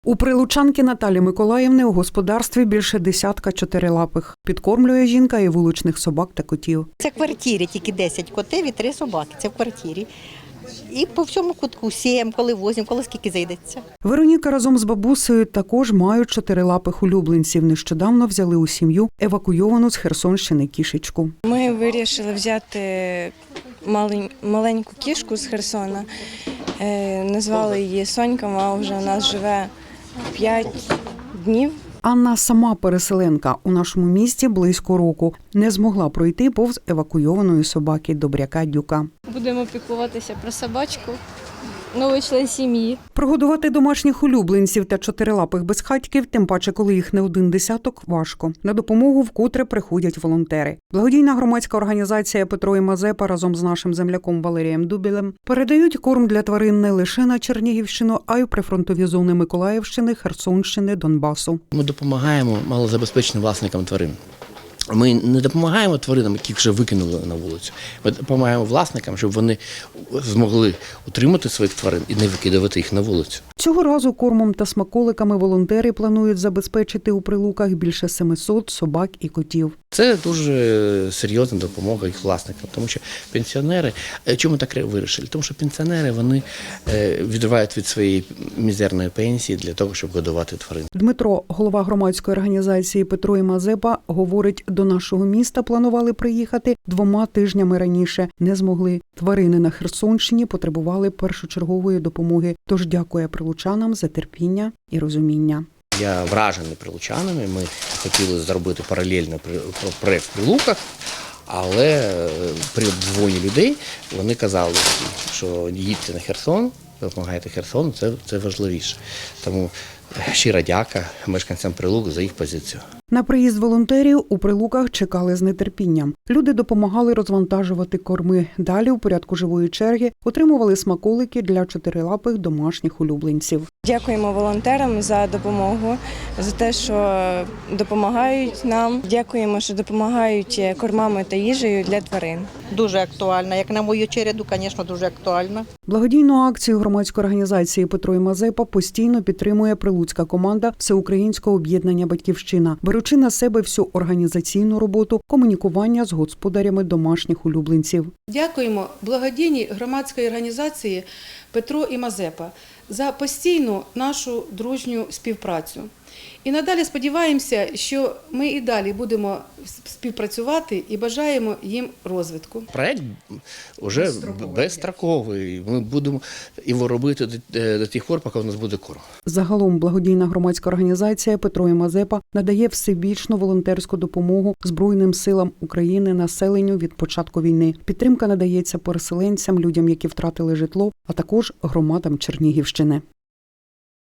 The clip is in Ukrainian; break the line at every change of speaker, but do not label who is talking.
У прилучанки Наталі Миколаївни у господарстві більше десятка чотирилапих. Підкормлює жінка і вуличних собак та котів.
Це в квартирі тільки 10 котів і 3 собаки. Це в квартирі. І по всьому кутку сіємо, коли возимо, коли скільки зайдеться.
Вероніка разом з бабусею також мають чотирилапих улюбленців. Нещодавно взяли у сім'ю евакуйовану з Херсонщини кішечку.
Ми вирішили взяти маленьку кішку з Херсона. Назвали її Сонька, вона вже у нас живе 5 днів.
Анна сама переселенка. У нашому місті близько року. Не змогла пройти повз евакуйованої собаки Добряка Дюка.
Будемо піклуватися про собачку, новий член сім'ї.
Прогодувати домашніх улюбленців та чотирилапих безхатьків, тим паче, коли їх не один десяток, важко. На допомогу вкотре приходять волонтери. Благодійна громадська організація Петро і Мазепа разом з нашим земляком Валерієм Дубілем передають корм для тварин не лише на Чернігівщину, а й у прифронтові зони Миколаївщини, Херсонщини, Донбасу.
Ми допомагаємо малозабезпеченим власникам тварин. Ми не допомагаємо тваринам, яких вже викинули на вулицю. Ми допомагаємо власникам, щоб вони змогли утримати своїх тварин і не викидувати їх на вулицю.
Цього разу кормом та смаколиками волонтери планують забезпечити у Прилуках більше 700 собак і котів.
Це дуже серйозна допомога їх власникам, тому що пенсіонери, чому так вирішили? Тому що пенсіонери, вони відривають від своєї мізерної пенсії для того, щоб годувати тварин.
Дмитро, голова громадської організації Петро і Мазепа, говорить, до нашого міста планували приїхати 2 тижнями раніше. Не змогли. Тварини на Херсонщині потребували першочергової допомоги. Тож дякує прилучанам за терпіння і розуміння.
Я вражений прилучанами, ми хотіли зробити паралельно проєкт в Прилуках, але при дзвоні людей вони казали, що їдьте на Херсон, допомагайте Херсону, це важливіше. Тому щира дяка мешканцям Прилук за їх позицію.
На приїзд волонтерів у Прилуках чекали з нетерпінням. Люди допомагали розвантажувати корми. Далі, у порядку живої черги, отримували смаколики для чотирилапих домашніх улюбленців.
Дякуємо волонтерам за допомогу, за те, що допомагають нам. Дякуємо, що допомагають кормами та їжею для тварин.
Дуже актуальна. Як на мою череду, звісно, дуже актуальна.
Благодійну акцію громадської організації Петро і Мазепа постійно підтримує прилуцька команда Всеукраїнського об'єднання «Батьківщина», беручи на себе всю організаційну роботу комунікування з господарями домашніх улюбленців.
Дякуємо благодійній громадській організації Петро і Мазепа за постійну нашу дружню співпрацю. І надалі сподіваємося, що ми і далі будемо співпрацювати і бажаємо їм розвитку.
Проєкт вже безстроковий. Ми будемо його робити до тих пор, поки у нас буде корм.
Загалом благодійна громадська організація Петро і Мазепа надає всебічну волонтерську допомогу Збройним силам України, населенню від початку війни. Підтримка надається переселенцям, людям, які втратили житло, а також громадам Чернігівщини.